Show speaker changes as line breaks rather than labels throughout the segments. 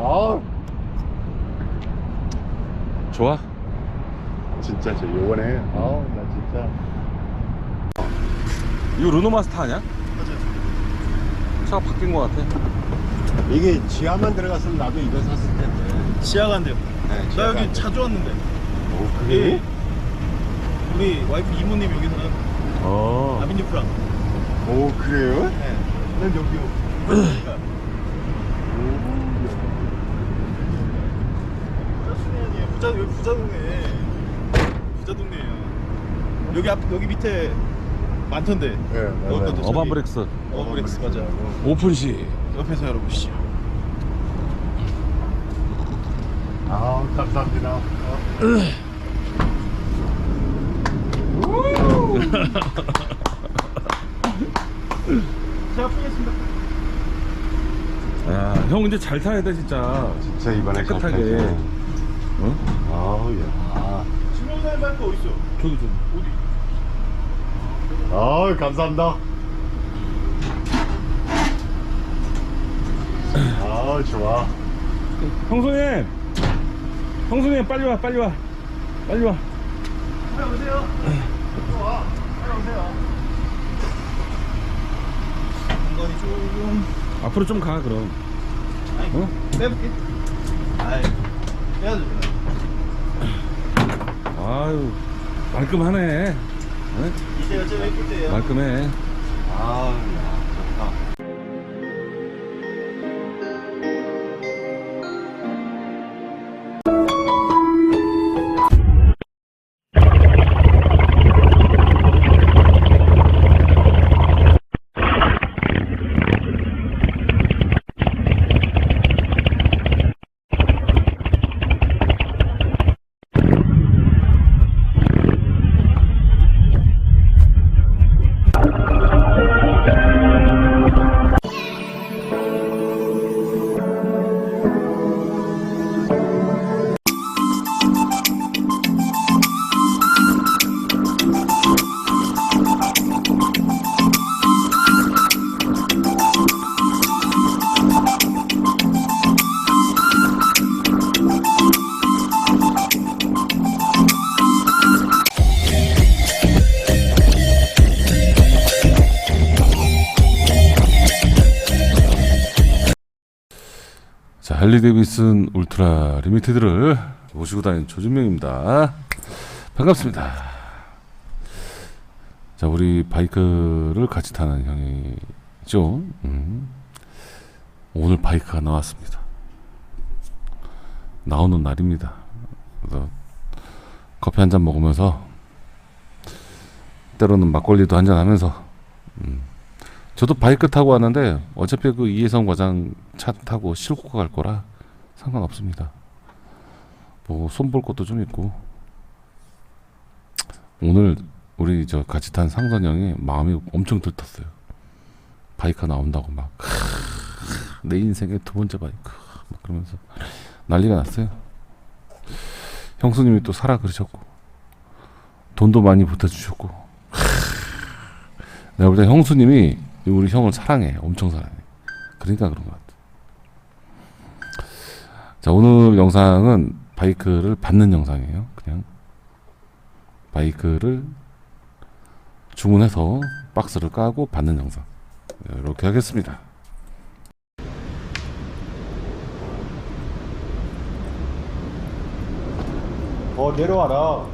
아,
좋아?
진짜 저 요번에 나 진짜
이거 르노마스터 아니야?
맞아요.
차가 바뀐 것 같아.
이게 지하만 들어갔으면 나도 이거 샀을 텐데.
지하가 안 돼요.
네,
나
지하가
여기
안
자주 왔는데.
오,
예.
그래?
우리 와이프 이모님 여기 사는 아빈유 프랑.
오, 그래요?
네. 난 여기요. 부자 수내아니에요. 여기 부자 동네. 부자 동네예요. 여기 여기 밑에 많던데.
네, 맞아요.
여기도 저기-
어반브렉스
어브렉스 맞아.
오픈시.
옆에서 열어보시죠.
아, 감사합니다.
제가 풀겠습니다.
야, 형 이제 잘 타야 돼 진짜.
진짜 이번에
깨끗하게.
잘
응?
아우, 야.
신용사님 발표 어디 있어?
저기.
어디?
아우, 감사합니다. 아, 좋아.
형수님, 형수님 빨리 와, 빨리 와, 빨리 와.
빨리 오세요. 와. 빨리 오세요. 공간이 조금.
앞으로 좀 가 그럼.
아니,
어?
빼볼게. 아이, 빼야죠.
아유, 말끔하네. 응?
이제가 제일 예쁠 때예요.
말끔해.
아우, 야, 좋다.
자, 할리 데이비슨 울트라 리미티드를 모시고 다니는 조준명입니다. 반갑습니다. 자, 우리 바이크를 같이 타는 형이죠. 오늘 바이크가 나왔습니다. 나오는 날입니다. 그래서 커피 한잔 먹으면서 때로는 막걸리도 한잔 하면서 저도 바이크 타고 왔는데 어차피 그 이혜성 과장 차 타고 싣고 갈 거라 상관없습니다. 뭐 손볼 것도 좀 있고. 오늘 우리 저 같이 탄 상선 형이 마음이 엄청 들떴어요. 바이크 나온다고 막 내 인생의 두 번째 바이크 막 그러면서 난리가 났어요. 형수님이 또 사라 그러셨고 돈도 많이 보태주셨고 내가 볼 때 형수님이 우리 형을 사랑해. 엄청 사랑해. 그러니까 그런 것 같아. 자, 오늘 영상은 바이크를 받는 영상이에요. 그냥 바이크를 주문해서 박스를 까고 받는 영상 이렇게 하겠습니다.
내려와라.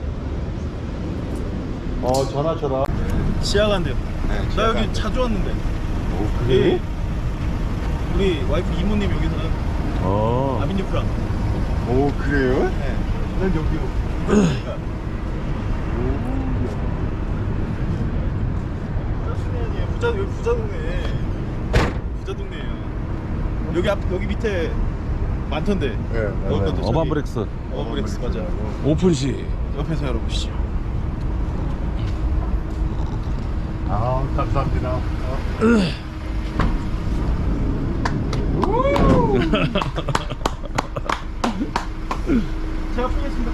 전화.
지하가 안 돼요.
네,
나
지하가
여기
안
자주 왔는데.
오,
예. 우리 와이프 이모님 여기 사는 아빈유 프랑.
오, 그래요?
네. 난 여기요. 부자 수내아니에요. 여기 부자 동네. 부자 동네예요. 여기 밑에 많던데.
네, 맞아요.
여기도 저기-
어반브렉스
어브렉스 맞아.
오픈시.
옆에서 열어보시죠.
아, 감사합니다.
제가 풀겠습니다.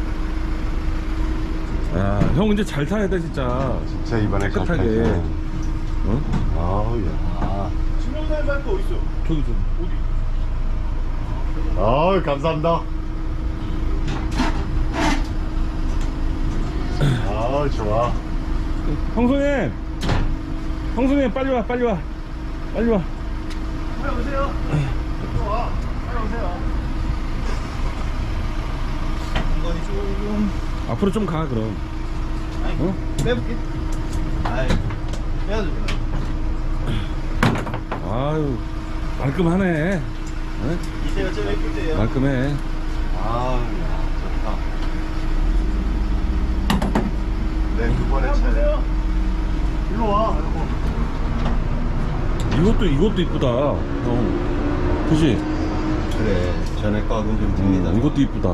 야, 형 이제 잘 타야 돼 진짜.
진짜 이번에
깨끗하게. 응?
아우, 야.
신용사님 발표 어디 있어?
저기.
어디?
감사합니다. 좋아.
형수님, 형수님 빨리 와, 빨리 와, 빨리 와.
빨리 오세요. 와, 빨리 오세요. 공간이 조금.
앞으로 좀 가 그럼.
아니,
어?
빼볼게. 아이, 빼야죠.
아유, 말끔하네. 네?
이때가 제일 예쁠 때예요.
말끔해.
좋다. 두 번의 차례. 일로 와.
이것도 이쁘다. 형, 그지?
그래, 전에 거하고는 좀 틀리다.
이것도 이쁘다.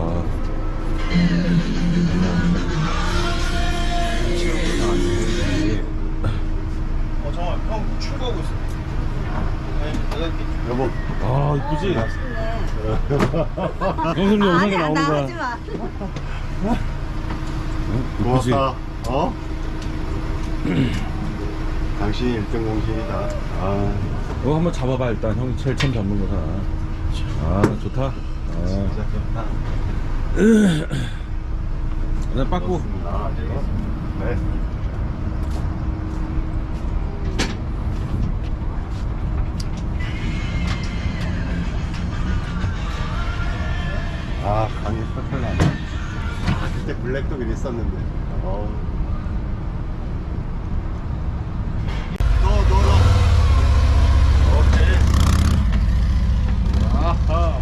정말 형 출구하고 있어. 아니, 내가 이렇게.
여보.
아, 이쁘지? 형수님 영상에
아니야,
나오는
나
거야.
하지 마.
응? 이쁘지?
고맙다. 당신이 1등 공신이다.
이거 한번 잡아봐 일단. 형이 제일 처음 잡는 거잖아. 아, 좋다.
진짜 좋다.
네, 빠꾸.
네. 강이 펄펄 나네. 그때 블랙도 그랬었는데. 너. 오케이. 아하.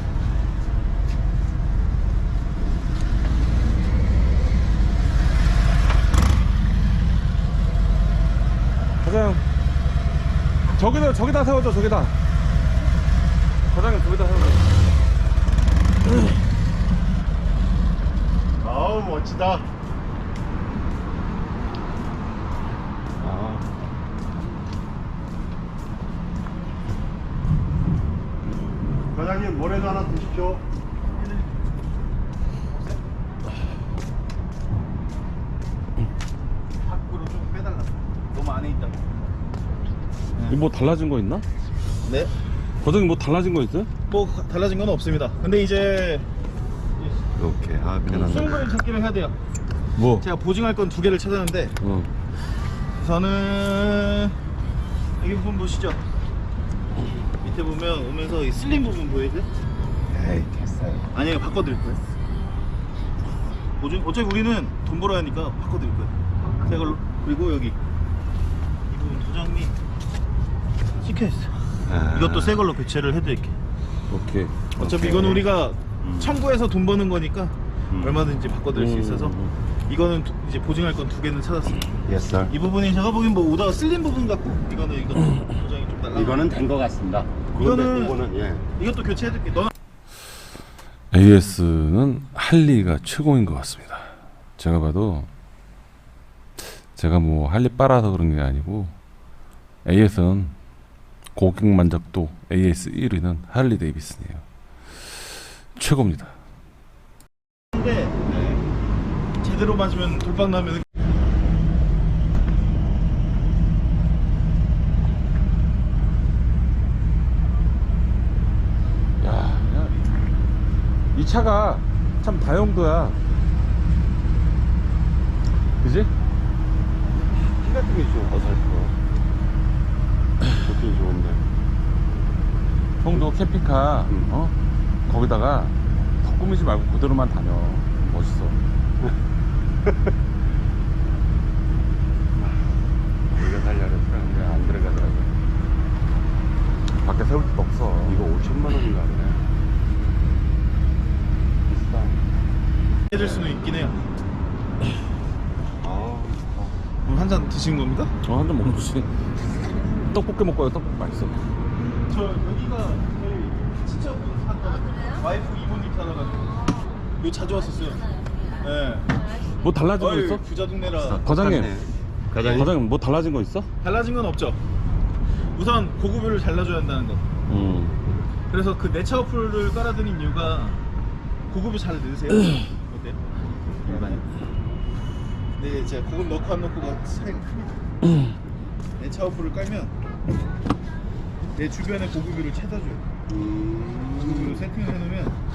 사장, 저기다 세워줘, 저기다. 사장님, 저기다 세워줘.
멋지다. 과장님, 모래도 하나 드십시오.
밖으로 좀 빼달라. 너무 안에 있다.
이거 뭐 달라진 거 있나?
네?
과장님 뭐 달라진 거 있어요?
뭐 달라진 건 없습니다. 근데 이제
이렇게 편안하게.
수용거리 찾기를 해야 돼요.
뭐?
제가 보증할 건 2개를 찾았는데 우선은 여기 부분 보시죠. 밑에 보면 오면서 이 슬림 부분 보이죠?
에이, 됐어요.
아니에요, 바꿔드릴 거예요. 보증, 어차피 우리는 돈 벌어야 하니까 바꿔드릴 거예요. 새 걸로. 그리고 여기 이 부분 도장 및 찍혀있어. 이것도 새 걸로 교체를 해드릴게요.
오케이.
어차피 이거는 우리가 청구해서 돈 버는 거니까 얼마든지 바꿔드릴 수 있어서 이거는 이제 보증할 건 2개는 찾았어요.
Yes, sir.
이 부분이 제가 보기엔 뭐 오다가 슬림 부분 같고 이거는 도장이 좀 달라.
이거는 된 것 같습니다.
이거는
예.
이것도 교체해드릴게. 너는
AS는 할리가 최고인 것 같습니다. 제가 봐도 제가 뭐 할리 빨아서 그런 게 아니고 AS는 고객 만족도 AS 1위는 할리 데이비슨이에요. 최고입니다.
근데 제대로 맞으면 돌박 나면
이 차가 참 다용도야. 그지?
키 같은 게 좀 어설퍼. 좋긴 좋은데.
형도 캠핑카 거기다가 더 꾸미지 말고 그대로만 다녀. 멋있어.
우리가 살려고 했는데 안 들어가더라고.
밖에 세울 데도 없어.
이거 5천만 원인가 하네. 비싸.
해줄 수는 있긴 해요.
아,
한 잔 드신 겁니까?
한 잔 먹는 거지. 떡볶이 먹고 와요. 떡볶이 맛있어.
저 여기가 저희 친척분 사거든요. 와이프 이모님 살아가지고 여기 자주 왔었어요. 네.
뭐 달라진 거 있어?
부자 동네라.
과장님.
과장님.
과장님 뭐 달라진 거 있어?
달라진 건 없죠. 우선 고급유를 잘라줘야 한다는 거. 그래서 그 내차 어플을 깔아드린 이유가 고급유 잘 넣으세요. 어때요? 근데 제가 고급 넣고 안 넣고가 차이가 큽니다. 내차 어플을 깔면 내 주변에 고급유를 찾아줘요. 고급유를 세팅을 해놓으면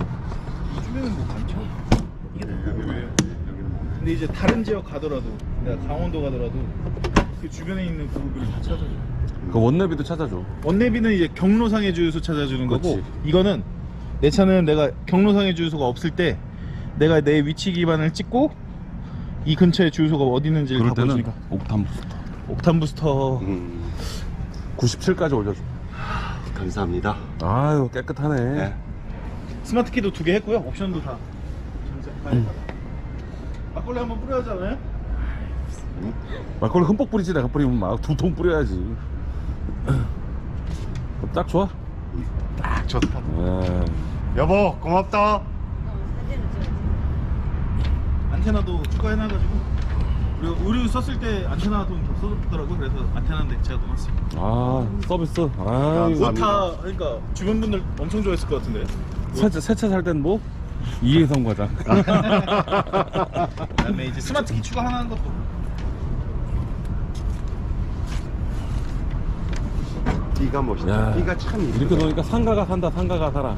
시내는 뭐 많죠. 이게 다 고급이에요.
여기는 뭐.
근데 이제 다른 지역 가더라도 내가 강원도 가더라도 그 주변에 있는 고급을 다 찾아줘.
그 원내비도 찾아줘.
원내비는 이제 경로상의 주유소 찾아주는 거고,
그렇지.
이거는 내 차는 내가 경로상의 주유소가 없을 때 내가 내 위치 기반을 찍고 이 근처에 주유소가 어디 있는지를
그럴
다
때는
보여주니까.
옥탄 부스터
옥탄 부스터
97까지 올려줘.
감사합니다.
아유 깨끗하네.
네.
스마트 키도 2개 했고요. 옵션도 다 전세. 막걸리 한번 뿌려야 하잖아요.
막걸리 흠뻑 뿌리지. 내가 뿌리면 막 2통 뿌려야지. 딱 좋아.
딱 좋다.
예.
여보 고맙다.
안테나도 추가해놔가지고, 그리고 의류 썼을 때 안테나 돈 써줬더라고. 그래서 안테나인데 제가 넣었어요.
아 서비스. 아
감사합니다.
다 그러니까 주변 분들 엄청 좋아했을 것 같은데.
새차 살 땐 뭐? 이혜성 과장.
그다음에 이제 스마트 키 추가하는 것도.
띠가 멋있다.
야,
띠가 참 이쁘다.
이렇게 놓으니까 상가가 산다. 상가가 살아.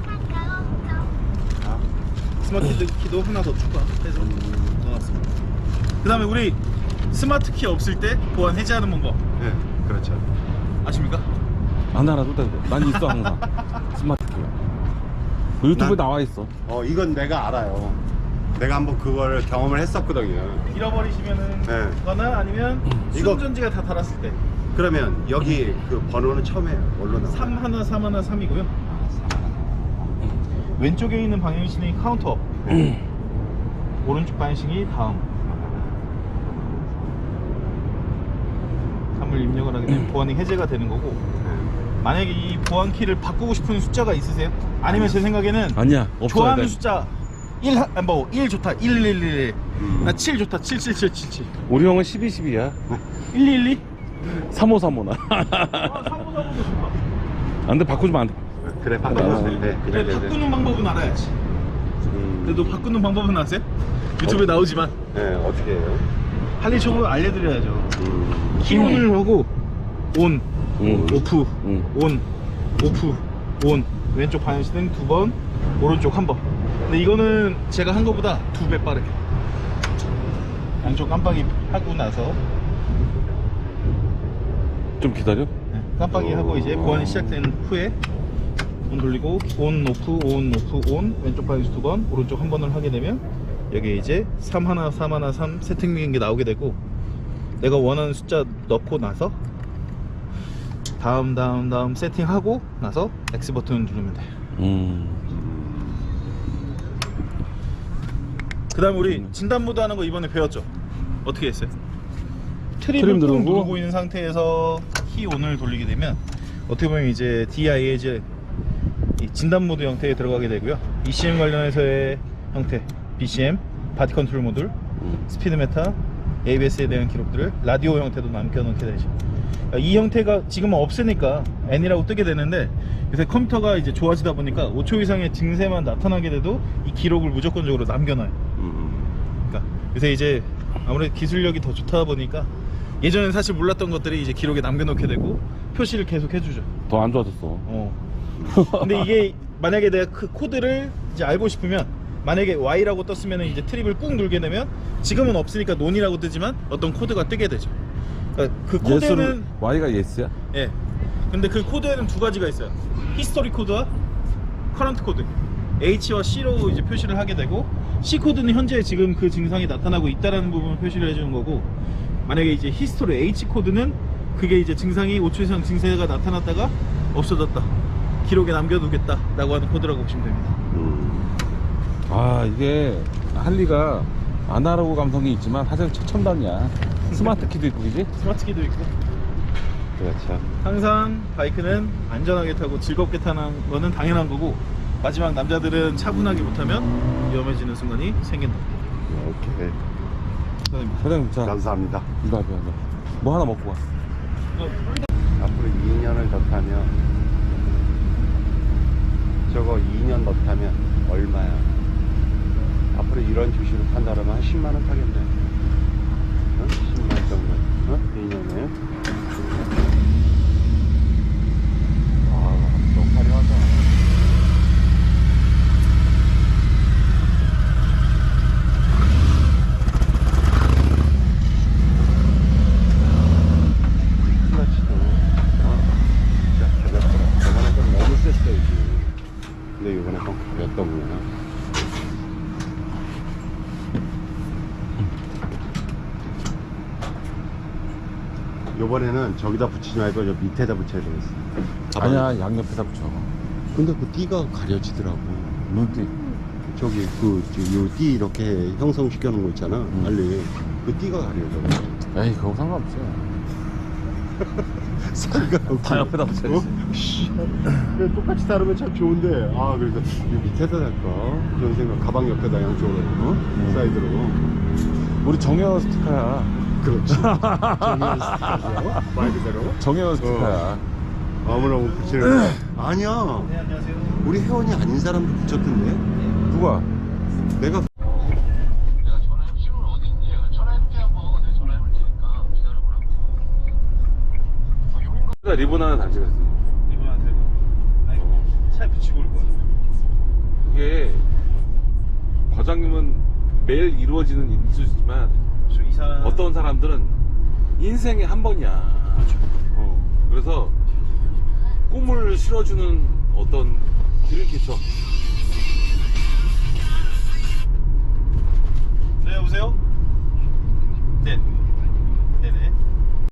스마트 키도 하나 더 추가해서 넣어놨습니다. 그 다음에 우리 스마트 키 없을 때 보안 해제하는 방법
네, 그렇죠.
아십니까?
안 알아도 돼. 난 있어 항상. 스마트 키가. 그 유튜브에
난-
나와 있어.
이건 내가 알아요. 내가 한번 그걸 경험을 했었거든요.
잃어버리시면은
네.
거나 아니면
이거-
수전지가 다 닳았을 때
그러면 여기 그 번호는 처음에 뭘로 나와요?
3133이고요. 왼쪽에 있는 방향신이 카운터, 오른쪽 방향신이 다음. 3을 입력을 하게 되면 보안이 해제가 되는 거고,
네.
만약에 이 보안 키를 바꾸고 싶은 숫자가 있으세요? 아니면 제 생각에는
아니야. 없어야
좋아하는
돼.
숫자 1 좋다 111, 나 7 좋다 77777,
우리 형은 1212야.
1212.
3535나.
아 3535도 좋다.
안 돼. 바꾸면 안 돼.
그래 바꿔볼 때. 네,
근데
그래.
바꾸는 방법은 알아야지. 그래도 바꾸는 방법은 아세요? 유튜브에 나오지만
네, 어떻게 해요?
할리총으로 알려드려야죠. 키온을 하고 온, 오프, 온, 오프, 온. 왼쪽 방향신은 2번, 오른쪽 1번. 근데 이거는 제가 한 거보다 2배 빠르게. 양쪽 깜빡이 하고 나서
좀 기다려.
깜빡이 하고 이제 보안이 시작된 후에 온 돌리고 온, 오프, 온, 오프, 온. 왼쪽 방향신 2번, 오른쪽 1번을 하게 되면 여기 이제 313 세팅된 게 나오게 되고, 내가 원하는 숫자 넣고 나서 다음 세팅하고 나서 X 버튼을 누르면 돼요. 그 다음 우리 진단 모드 하는 거 이번에 배웠죠? 어떻게 했어요? 트립을 꾹 누르고 있는 상태에서 키 온을 돌리게 되면 어떻게 보면 이제 DIAG 이 진단 모드 형태에 들어가게 되고요. ECM 관련해서의 형태, BCM, 바디 컨트롤 모듈, 스피드 메타, ABS에 대한 기록들을 라디오 형태도 남겨놓게 되죠. 이 형태가 지금은 없으니까 N이라고 뜨게 되는데, 요새 컴퓨터가 이제 좋아지다 보니까 5초 이상의 증세만 나타나게 돼도 이 기록을 무조건적으로 남겨놔요. 그러니까 요새 이제 아무래도 기술력이 더 좋다 보니까 예전엔 사실 몰랐던 것들이 이제 기록에 남겨놓게 되고 표시를 계속 해주죠.
더 안 좋아졌어.
근데 이게 만약에 내가 그 코드를 이제 알고 싶으면, 만약에 Y라고 떴으면 이제 트립을 꾹 누르게 되면, 지금은 없으니까 논이라고 뜨지만 어떤 코드가 뜨게 되죠. 그러니까 그 코드는
Y가 예스야.
예. 근데 그 코드에는 두 가지가 있어요. 히스토리 코드와 커런트 코드. H와 C로 이제 표시를 하게 되고, C 코드는 현재 지금 그 증상이 나타나고 있다라는 부분을 표시를 해주는 거고, 만약에 이제 히스토리 H 코드는 그게 이제 증상이 5초 이상 증세가 나타났다가 없어졌다, 기록에 남겨두겠다 라고 하는 코드라고 보시면 됩니다.
아 이게 할리가 아날로그 감성이 있지만 사실 최첨단이야. 스마트 키도 있고, 그지?
스마트 키도 있고.
그렇죠.
항상 바이크는 안전하게 타고 즐겁게 타는 거는 당연한 거고, 마지막 남자들은 차분하게 못하면 위험해지는 순간이 생긴다.
오케이.
감사합니다.
사장님 자
감사합니다.
이거 하자. 뭐 하나 먹고 가.
앞으로 2년을 더 타면, 저거 2년 더 타면 얼마야? 앞으로 이런 주식을 탄다 그러면 한 10만 원 타겠네. 10만 정도. 2년에. 너무 화려하다. 근데 이번에 좀 가렸던 거야. 요번에는 저기다 붙이지 말고 저 밑에다 붙여야 되겠어.
아니야, 양옆에다 붙여.
근데 그 띠가 가려지더라고.
눈띠.
저기 요 띠 이렇게 형성시켜 놓은 거 있잖아. 빨리 그 띠가 가려져.
에이, 그거 상관없어.
다
옆에다 붙여야지.
그래, 똑같이 다루면 참 좋은데. 아, 그래서 이 밑에다 달까? 그런 생각. 가방 옆에다 양쪽으로, 사이드로.
우리 정혜원 스티커야.
그렇지. 정의원 스티커죠. 말 그대로.
정혜원 스티커야.
아무나 못 붙이는 거야. 아니야.
네, 안녕하세요.
우리 회원이 아닌 사람도 붙였던데.
누가?
내가
내가 전화해 지금 어디 있니? 전화해볼게 한번. 내가 전화해볼 테니까 기다려보라고. 용인
리본 하나 단식했어.
이번 안 되고. 아니, 차에 붙이고 올 거야.
그게 과장님은 매일 이루어지는 일수지만
이 사람
어떤 사람들은 인생에 한 번이야. 그래서 꿈을 실어주는 어떤 드림캐쳐.
네, 여보세요? 네.